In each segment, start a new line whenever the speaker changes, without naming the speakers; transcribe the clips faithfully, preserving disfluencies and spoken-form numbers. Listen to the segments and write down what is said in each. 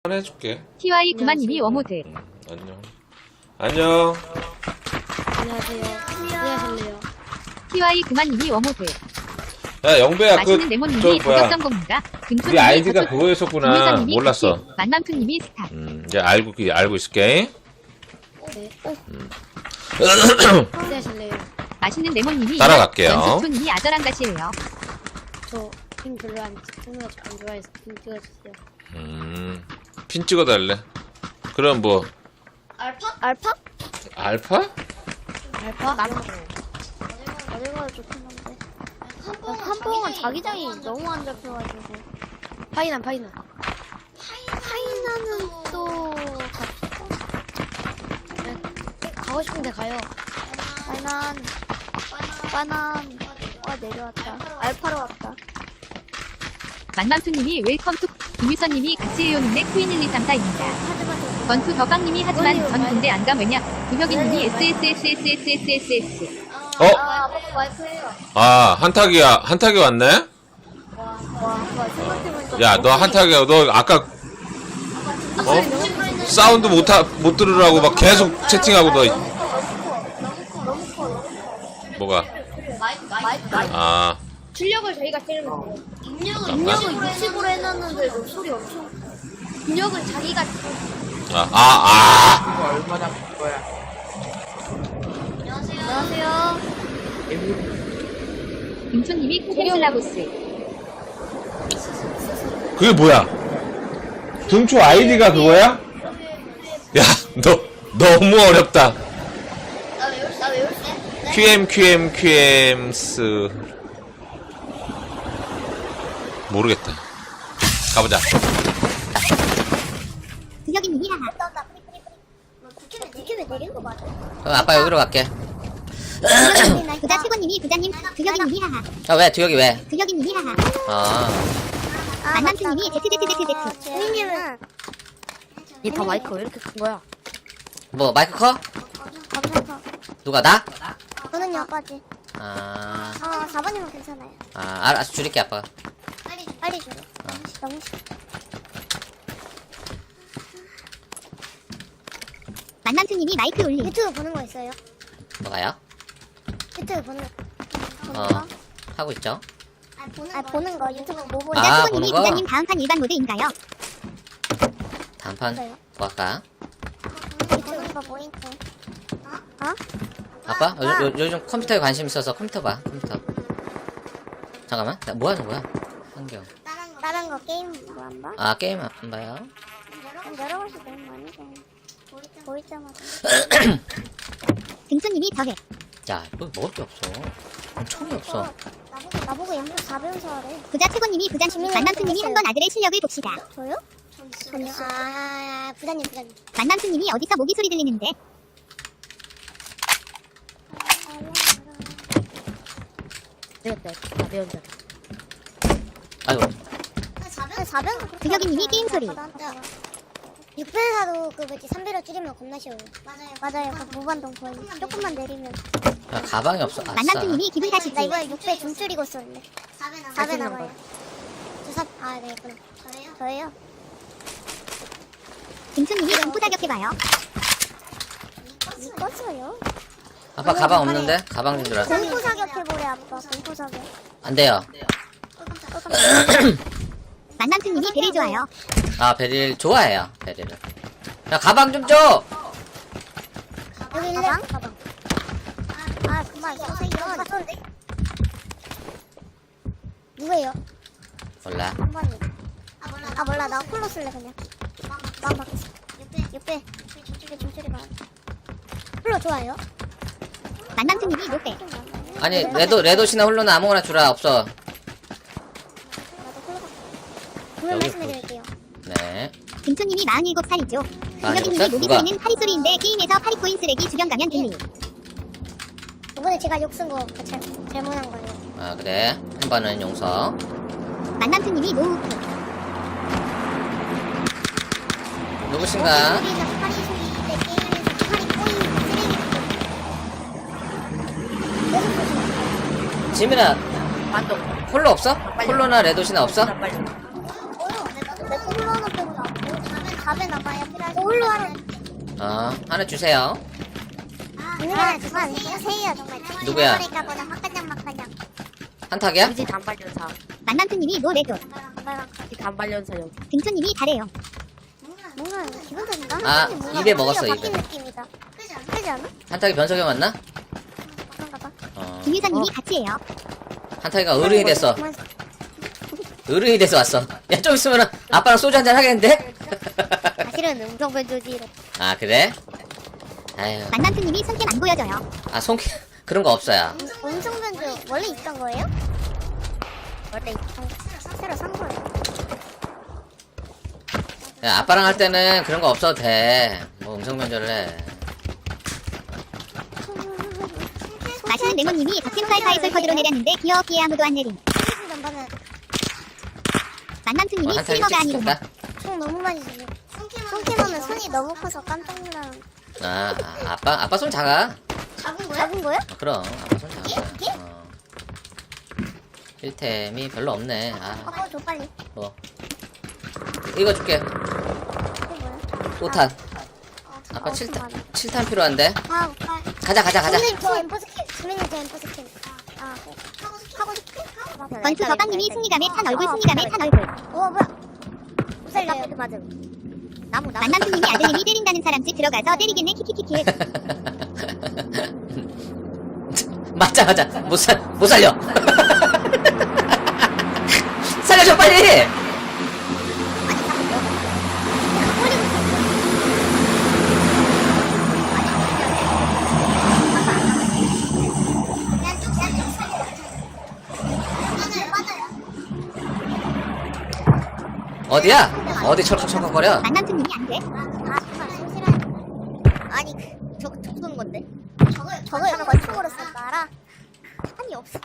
해줄게.
티와이 구만님이 워모드.
응, 안녕. 안녕.
안녕하세요. 안녕하실래요?
티와이 구만님이 워모드.
야, 영배야, 그,
맛있는
저,
레몬님이
뭐야.
고격성공입니다.
우리 아이디가 그거였었구나. 몰랐어.
만만투님이 스타.
음, 이제 알고, 알고 있을게.
네. 어,
음.
안녕하실래요?
맛있는 레몬님이
따라갈게요.
연수초님이 아저랑 같이예요.
저 핑 별로 안, 핑을 안 좋아해서 핑 찍어주세요.
음, 핀 찍어달래. 그럼 뭐,
알파? 알파?
알파?
알파? 나는 어디가 좋긴 한데. 한봉은 자기장이 너무 안 잡혀가지고. 파이난, 파이난. 파이난은 또, 갑시다. 네. 가고 싶은데 가요. 파이난. 바난. 와, 내려왔다. 알파로 왔다.
만만투님이 웰컴 투 김유선님이 같이해요님의 코인 일이삼사입니다.
하지만
건투 더빵님이 하지만 전 군대 안 감 왜냐? 구혁이님이 에스에스에스에스에스에스에스.
어?
아, 아빠 와이프예요.
아, 한타기야. 한타기 왔네?
와, 와, 생각해보니까.
야, 너 한타기야. 너 아까, 어? 사운드 못, 하, 못 들으라고 막 계속 채팅하고 너. 뭐가? 아,
출력을 저희가 때리면 돼요. 입력을,
잠깐만.
입력을 육십으로 해놨는데 목소리 엄청. 입력을 자기가.
아, 아,
얼마나 큰 거야?
안녕하세요.
김초님이 코펜슬라고스.
아. 그게 뭐야? 등초 아이디가 그거야? 야, 너, 너무 어렵다.
나 외울, 나 외울게.
큐엠, 큐엠, 큐엠스. 모르겠다. 가보자.
구혁이님이 하하.
국회면, 국회면 내리는 거 맞아?
그럼 아빠 여기로 갈게.
부자 최고님이 부자님 구혁이님이 하하.
아, 왜? 두혁이 왜?
구혁이님이 하하.
아,
만만투님이 제트제트제트제트.
선생님은. 얘다 마이크 왜 이렇게 큰 거야?
뭐, 마이크 커?
감사합니다.
누가, 나?
저는요, 아빠지.
아,
아, 사 번이면 괜찮아요.
아, 알았어. 줄일게, 아빠가.
빨리, 빨리 줘. 너무 싫어.
만만투님이 마이크 올림.
유튜브 보는 거 있어요?
뭐가요?
유튜브 보는, 보는
어,
거?
하고 있죠?
아, 보는, 아, 보는 거. 유튜브 뭐 보는
아,
부자 최고님이
보는 거?
부자님 다음판 일반 모드인가요?
다음판,
있어요?
뭐 할까?
유튜브 거 뭐 있어? 어?
아빠? 요, 요, 요즘 컴퓨터에 관심 있어서 컴퓨터 봐, 컴퓨터. 잠깐만. 나 뭐 하는 거야? 환경.
다른 거, 다른 거 게임 뭐 안 봐?
아, 게임 안 봐요?
여러 가지 너무 많이 봐. 보이자마자.
등초님이 더해.
야, 뭐 먹을 게 없어. 총이 없어.
나보고, 나보고 연습 사 배워서 하래.
부자 최고님이 부자 만남투님이 한번 아들의 실력을 봅시다.
저요? 전요? 아, 부장님, 부장님.
만남투님이 어디서 모기 소리 들리는데?
배웠다. 나 배운다.
아이고,
사 배?
구혁이님이 게임 소리.
육 배사도 그 뭐지 삼 배로 줄이면 겁나 쉬워요. 맞아요. 맞아요. 그 무반동 거의 조금만 내리면.
야, 가방이 없어. 아싸.
만남투님이 기분
나
탓이지.
이번에 육 배 좀 줄이고 썼는데. 사 배 남아요. 사 배 남아요. 저 사, 아, 네, 있구나. 저예요? 저예요?
등초님이 공포 타격해봐요.
이거어요
아빠 가방 없는데? 가방 좀 주라.
공포 사격 해보래, 아빠. 공포 사격.
안 돼요.
어, 깜짝이야.
만남투님이 배를 좋아요.
아, 베릴 좋아해요, 베릴을. 야, 가방 좀 줘!
여기 일레? 가방. 아, 아, 그만. 선생님. 아, 쏜데? 누구예요?
몰라.
한 번이. 아, 몰라. 아, 몰라. 나 콜로 쓸래, 그냥. 망 박지. 육 배. 육 배. 좀 줄이 봐. 콜로 좋아요?
만남투님이 못배.
아니, 레도, 레도시나 홀로나 아무거나 주라. 없어.
나도 콜로 갈게. 오늘
여기
말씀해드릴게요.
네.
등초님이 마흔일곱 살이죠.
마흔일곱
구혁이님이
살?
모기
누가?
소리는 파리 소리인데 게임에서 파리 코인 쓰레기 주변 가면 들리.
이번에 제가 욕 쓴 거 잘, 잘못한 거예요.
아, 그래. 한 번은 용서.
만남투님이 노우.
누구신가?
우리가 파리 소리인데 게임에서 파리 코인 쓰레기. 계속 보시면
지민아, 홀로 없어? 홀로나 레도시나 없어?
어요. 내 콜로 하나 빼고 나. 밥에 나가야 필요하지. 홀로 하나.
어, 하나 주세요.
누나 정말 세요 정말.
누구야?
그러니까 보다 막간장 막간장.
한탁이야?
우지 단발연사.
만남투님이 노 레드.
우지 단발연사 여기.
등초님이 잘해요.
뭔가 기본적인가?
아,
뭔가
입에 먹었어,
소리가
입에.
바뀐 느낌이다. 그지 않아?
한탁이 변석이 맞나?
그런가 봐.
어,
김유선님이 같이 해요.
한탁이가 어른이 됐어.
그만-
어른이 돼서 왔어. 야, 좀 있으면은 아빠랑 소주 한잔 하겠는데?
사실은 음성 변조지.
아, 그래? 아유,
만남투님이 손캠 안 보여줘요.
아, 손, 그런 거 없어요.
음성 변조 원래 있던 거예요? 원래 있던 새로 산 거예요.
야, 아빠랑 할 때는 그런 거 없어도 돼. 뭐 음성 변조를 해.
맛있는 레몬님이 덕팀사이사이솔 컷으로 내렸는데 귀엽기에 아무도 안 내림.
남반은
어,
만남투님이
한탁이
스트리머가 아니구나.
찍혔다.
총 너무 많이 주네. 손캠하면 손이 너무 커서 깜짝 놀라.
아, 아, 아빠, 아빠 손 작아.
작은 거야? 작은 거야?
어, 그럼, 아빠 손 작아.
이게?
어. 힐템이 별로 없네. 아,
아빠 줘 빨리.
뭐. 이거 줄게.
이게 뭐야?
오탄.
어,
아빠
어,
칠 탄,
많아.
칠 탄 필요한데?
아, 아.
가자, 가자, 가자.
선생님 저 엠퍼 스킨. 선생님 저 엠퍼 스킨. 아, 아, 네. 하고 싶어? 하고 싶어?
건투 더빵님이 승리감에 탄 얼굴 승리감에 탄 얼굴.
어, 뭐야? 못 살려요. 맞음. 나무, 나무.
만남투님이 아들님이 때린다는 사람 집 들어가서 때리겠네 키키키키.
맞자, 맞자. 못 살, 못 살려. 살려줘, 빨리!
그냥 쭉 살려. 맞아요, 맞아요.
어디야? 어디 철컥철컥거려?
만남투님이 안 돼.
아, 정말 손실하네. 아니, 그, 저, 저 쏘는 건데? 저거, 저거 권총으로 쏜다, 알아? 한이 없어.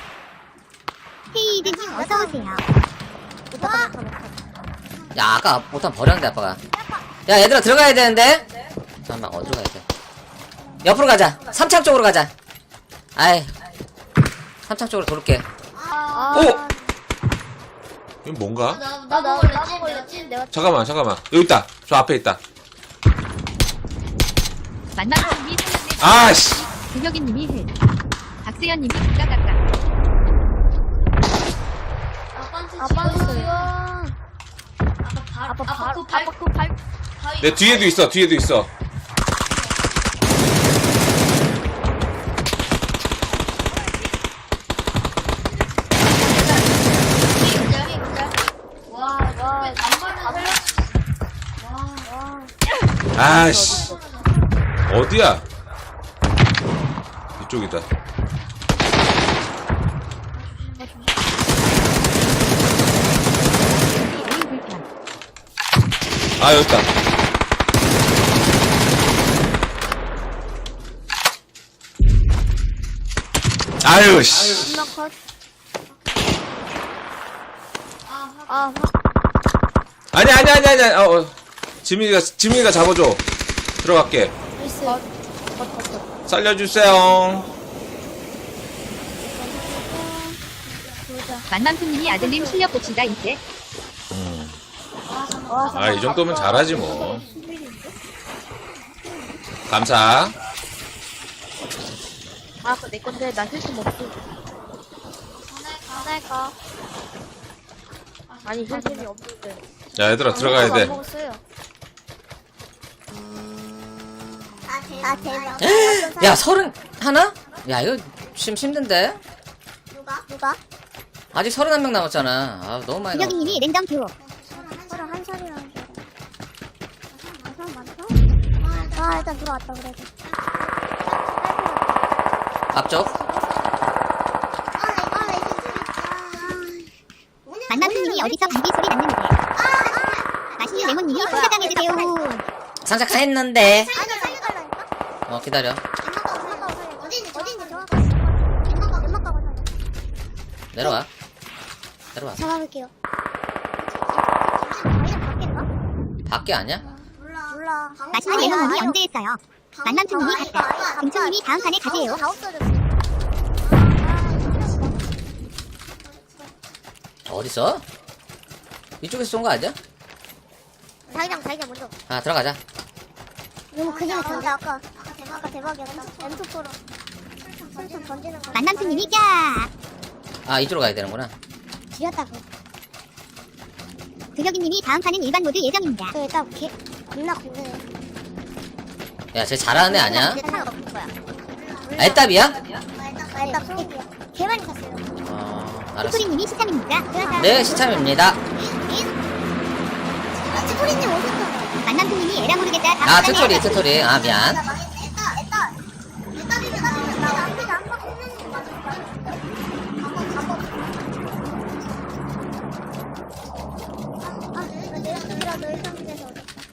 헤이드님 어서 오세요.
와!
야, 아까 못한 버렸는데, 아빠가. 야, 얘들아, 들어가야 되는데? 잠깐만, 어디로 가야 돼? 옆으로 가자. 삼창 쪽으로 가자. 아이. 삼창 쪽으로 돌게.
아,
오! 이건 뭔가?
나, 나, 나, 나무 걸렸지? 내가
잠깐만, 잠깐만. 여기 있다. 저 앞에 있다.
만남투님이 살렸네.
아씨!
구혁이님이 해. 박세현님이 가까가까.
아빠 수영. 아빠 발, 아빠 그 발.
내 뒤에도 있어, 뒤에도 있어.
와, 와, 남발을
아씨. 어디야? 이쪽이다. 아, 여기 있다. 아유, 씨.
엄마 컷. 아,
아니, 아니, 아니, 아니. 어, 어. 지민이가, 지민이가 잡아줘. 들어갈게. 살려주세요.
만남투님이 아들님 실력 봅시다 이제.
아, 이 정도면 잘하지, 뭐. 감사.
아, 그거 내 건데 나 힐좀 없어.
하나가.
아니 힐템이 없는데.
자, 얘들아, 들어가야 돼.
먹었어요. 아, 대박.
야, 서른 하나? 야, 이거 심 힘든데?
누가? 누가?
아직 서른한 명 남았잖아. 아, 너무 많이 남았.
구혁이님이 랜덤 듀오.
서로 한 살이라는 줄 알아. 아, 사람 많다? 아, 일단 들어왔다, 그래도.
앞쪽.
아, 나 이거
만남투님이 어디서 감기 소리 났는데. 맛있는 레몬님이 손자당해주세요.
상자 다 했는데.
아니, 살려달라니까?
어, 기다려.
연막 가고, 연막 가고 살려. 어딘지, 어딘지 정확하게. 연막 가고, 연막 가고 살려.
내려와. 내려와.
잡아볼게요. 방금 바뀐가?
밖에 아니야?
몰라. 몰라.
맛있는 레몬님이 언제 했어요? 만남투님이 갔다. 등초님이 다음 판에 가세요.
다 없어졌어.
어딨어? 이쪽에서 쏜 거 아니야?
자기장 자기장 먼저.
아, 들어가자.
너무 그냥 던데 아까 아까 대박 아까 대박이었다. 엠투포로 술좀 던지는 거.
만남투님이 까.
아, 이쪽으로 가야 되는구나.
지렸다고.
두혁이님이 다음 판은 일반 모드 예정입니다.
그 일단 개 겁나 든든해.
야, 쟤 잘하는 애 아니야?
이제 탈 없을 거야.
아, 애답이야?
아 일단 소리야. 개 많이 탔어요.
어, 알았어.
투토리님이 시참입니까?
네, 시참입니다.
아 치토리님 오셨어.
만남투님이 에라 모르겠다. 다음
아,
판에
투토리,
에라
투토리. 아, 미안.
나 망했네. 애따 애따 애따비면 나비면 나 앞에가 한번 했는데 맞을 거야. 한번 한번. 아 내가 내가 일단 데서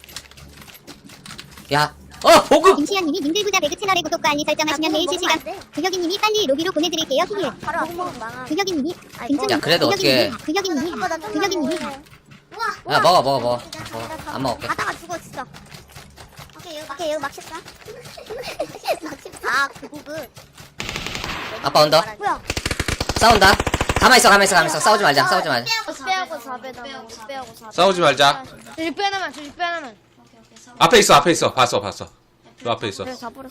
야, 어, 보급!
김시현님이 님들보다 배그 채널의 구독과 알림 설정하시면 매일 실시간. 두혁이님이 빨리 로비로 보내드릴게요. 히히.
바로 앞에 망한.
두혁이님이
아이고.
야, 그래도 어떻게.
두혁이님이 두혁이님이
우와.
야, 먹어, 먹어, 먹어. 먹어. 안 먹을게.
가다가 죽어 진짜. 오케이 여기 오케이 여기 막 칠까? 아 그거그.
아빠 온다.
뭐야?
싸운다. 가만있어, 가만있어, 가만있어. 싸우지 말자, 싸우지 말자.
빼하고 사배 나무. 빼하고 사배.
싸우지 말자.
저 육 배 하나만, 저 육 배 하나만.
앞에 있어, 앞에 있어. 봤어, 봤어. 너 앞에 있어.
내가 다 버렸어.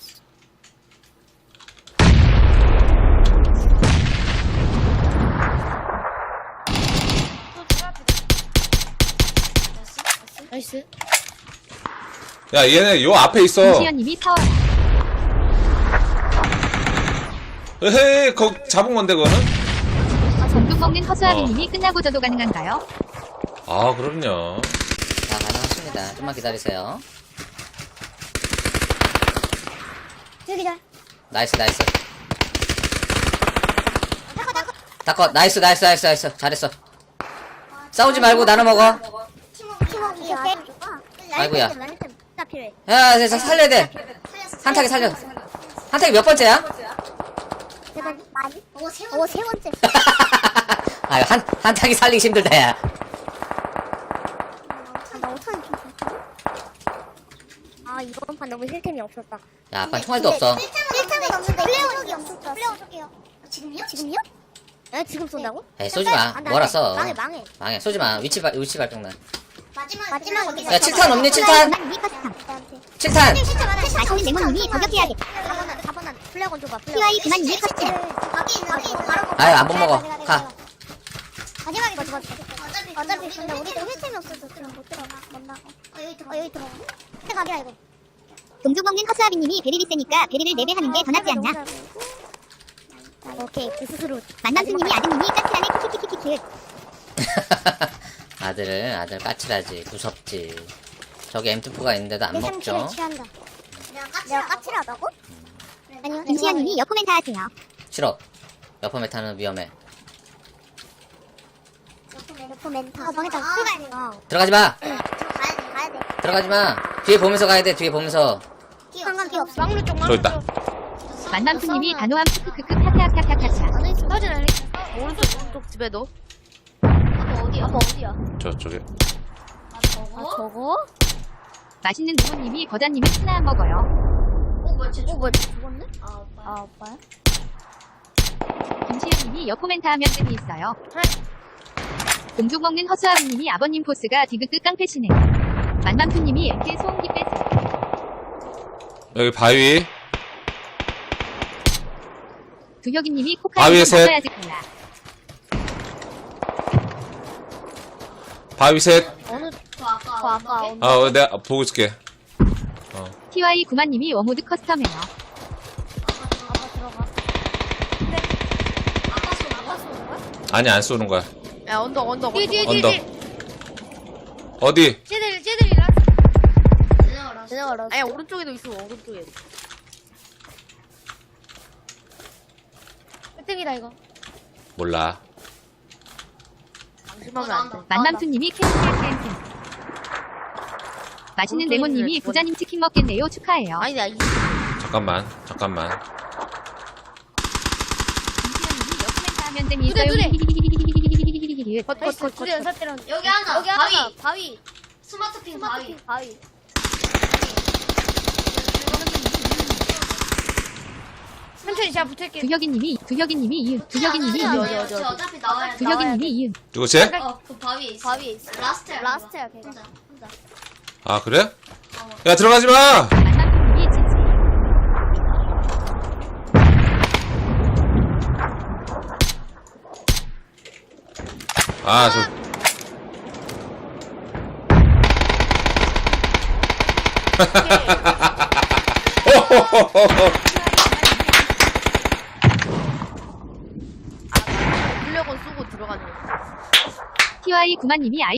나이스.
야, 얘네 요 앞에 있어.
김시현님이 사와라.
에헤이, 거 잡은 건데, 그거는?
전국 먹는 허수아비님이 끝나고 저도 가능한가요?
아, 그럼요.
자, 가능하십니다. 좀만 기다리세요.
저기 잘.
나이스, 나이스. 닦어, 나이스, 나이스, 나이스, 나이스. 잘했어. 싸우지 말고 나눠 먹어.
팀워크 아주 좋아.
아이고야.
나 필요해.
야, 진짜 살려야 돼. 한타기 살려. 한타기 몇 번째야?
제가 많이? 오, 세 번째. 오, 세 번째.
아유, 한, 한타기 살리기 힘들다, 야.
아, 나 오천 원 좀 줬거든? 아, 이번 판 너무 힐템이 없었다.
야, 아빠 총알도 없어.
힐템은 없는데 플레어적이 없었다. 플레어적이요. 지금요? 지금요? 에 지금 쏜다고?
에이, 쏘지 마.
안 돼, 안 돼.
뭐라 써.
망해, 망해.
망해, 쏘지 마. 위치, 발, 위치 발동난.
마지막, 마지막 어디
야, 칠탄 없니, 칠탄?
만남님이 커스텀.
칠 탄!
맛있는 레몬님이 저격해야겠다.
사 번 안, 사 번 안. 플레어건 줘봐, 플레어건.
티와이 그만님이 커스텀.
밖에 있는, 밖에 있는. 바로
아유, 안 못 먹어. 가.
마지막에 마지막. 어차피, 어차피 근데 우리도 힐템이 없어서 그럼 못 들어가. 못 나가. 어, 여기 들어가. 어, 여기 들어가. 근데 가게야, 이거.
동족 먹는 허수아비님이 베리를 세니까 베리를 네 배 하는 게 더 낫지 않나?
오케이, 그 스스로.
만남투님이 아드님이 까칠하네 키키키키키키.
아들, 아들 까칠하지. 무섭지. 저기 엠투포가 있는데도 안
내
먹죠.
상처를 취한다. 내가 까칠하다고? 아니요.
김시현님이 여코멘트 하세요.
싫어. 옆에 메타는 위험해.
옆에 멘타. 아, 망했다. 들어가야 돼. 어.
들어가지 마!
가야 돼, 가야 돼.
들어가지 마! 뒤에 보면서 가야 돼, 뒤에 보면서.
상관 필요 없어.
막루 쪽,
저
막루
있다.
쪽.
만남투님이 단호함 크크크크 하하하하하하.
싸우진 않으니? 오른쪽, 오른쪽 집에도.
아빠 어디, 아빠 어디야?
저쪽에.
아, 저거?
맛있는 부모님이 거자님이 하나 먹어요.
어, 뭐야, 쟤 어, 뭐야, 쟤 죽었네? 아, 오빠야? 아, 오빠야?
김시현님이 여코멘트 하면 뜸이 있어요. 동족 먹는 허수아비님이 아버님 포스가 디귿끝 깡패시네요. 만남투님이 엠케 소음기 빼세요.
여기 바위.
두혁이님이
바위에
코카인
셋.
먹어야지 콜라.
바위 셋.
어느, 저 아까, 저 아까, 어느,
아, 어, 내가 보고 있을게.
티와이 구만님이 워모드 커스텀해요.
아빠 들어가. 근데, 아빠 쏘, 아빠 쏘는 거야?
아니, 안 쏘는 거야.
야, 언덕, 언덕,
뒤에, 뒤에,
언덕.
뒤에,
언덕.
뒤에.
어디?
쟤들, 쟤들이랑.
내가 알았어.
아니, 오른쪽에도 있어, 오른쪽에.
획득이다, 이거.
몰라.
방심하면 안 돼.
만남투님이 캔캔캔캔. 맛있는 레몬님이 부자님 치킨 먹겠네요. 축하해요.
아니, 나 이.
잠깐만, 잠깐만.
김시현님이 여코멘트 하면 뜸이
두대,
있어요.
두대.
컷, 컷, 컷, 컷.
연사 때는
여기 하나,
여기
바위.
하나, 바위.
스마트핑 바위.
스마트핑 바위. 천천히 제가 붙을게요.
두혁이님이 두혁이님이 이응. 두혁이님이
아니,
이응.
아니, 어디, 어디, 어차피 나와야 돼.
두혁이님이 이응.
누구 쟤?
어, 그 바위에 있어.
바위에 있어.
라스트야.
라스트야, 걔가.
혼자, 혼자.
아, 그래? 야, 들어가지 마!
만만푸님이 제지.
아, 저.
블랙원 쏘고 들어가는 거.
티와이 구만님이 아이